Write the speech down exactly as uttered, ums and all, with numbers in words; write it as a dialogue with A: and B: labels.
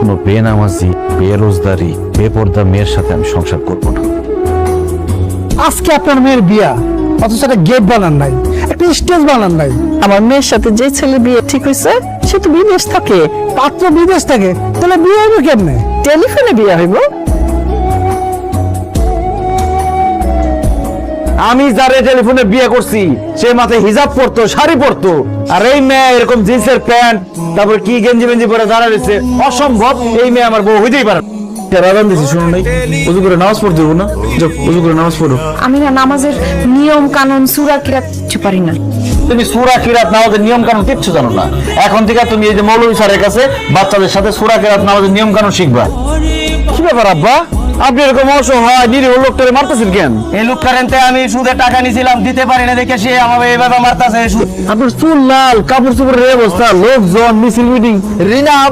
A: কোনো বেনামাজি বেরোজগারি বেপর্দা মেয়ের সাথে আমি সংসার করব না।
B: আজকে আপনার মেয়ের বিয়া, অথচ একটা গেট বানান নাই, একটা স্টেজ বানান নাই।
C: আমার মেয়ের সাথে যে ছেলে বিয়ে ঠিক হয়েছে সে তো বিদেশ থাকে।
B: পাত্র বিদেশ থাকে, তাহলে বিয়ে হবে কেমনে?
C: টেলিফোনে বিয়ে হইব।
D: আমি যারে টেলিফোনে বিয়ে করছি সে মাথায় হিজাব পরতো, শাড়ি পরতো, আর এই মেয়ে এরকম জিন্সের প্যান্ট তারপর কি গেঞ্জি মেঞ্জি পরে দাঁড়া রয়েছে। অসম্ভব, এই মেয়ে আমার বউ হইতেই পারে না। রাজান দিছি, শুনুন নাই, উজু করে নামাজ পড়তে দেবো না? যাও উজু করে নামাজ পড়ো।
E: আমি না নামাজের নিয়ম কানুন সূরা কিরাত কিছু পারি না।
D: তুমি সূরা কিরাত নামাজের নিয়ম কানুন কিচ্ছু জানো না। এখন থেকে তুমি এই যে মৌলভী স্যারের কাছে বাচ্চাদের সাথে সূরা কিরাত নামাজের নিয়ম কানুন শিখবা। কি ব্যাপার আব্বা, আপনি এরকম অসহায় নিরীহ লোকটারে মারতেছেন কেন?
F: এই লোক কারেন্টে আমি সুদে টাকা নিছিলাম, দিতে পারি না দেখে সে আমাকে এইভাবে মারতাছে।
D: আপনার চুল লাল, কাপড় চোপড়ের অবস্থা, লোকজন মিছিল মিটিং। রিনা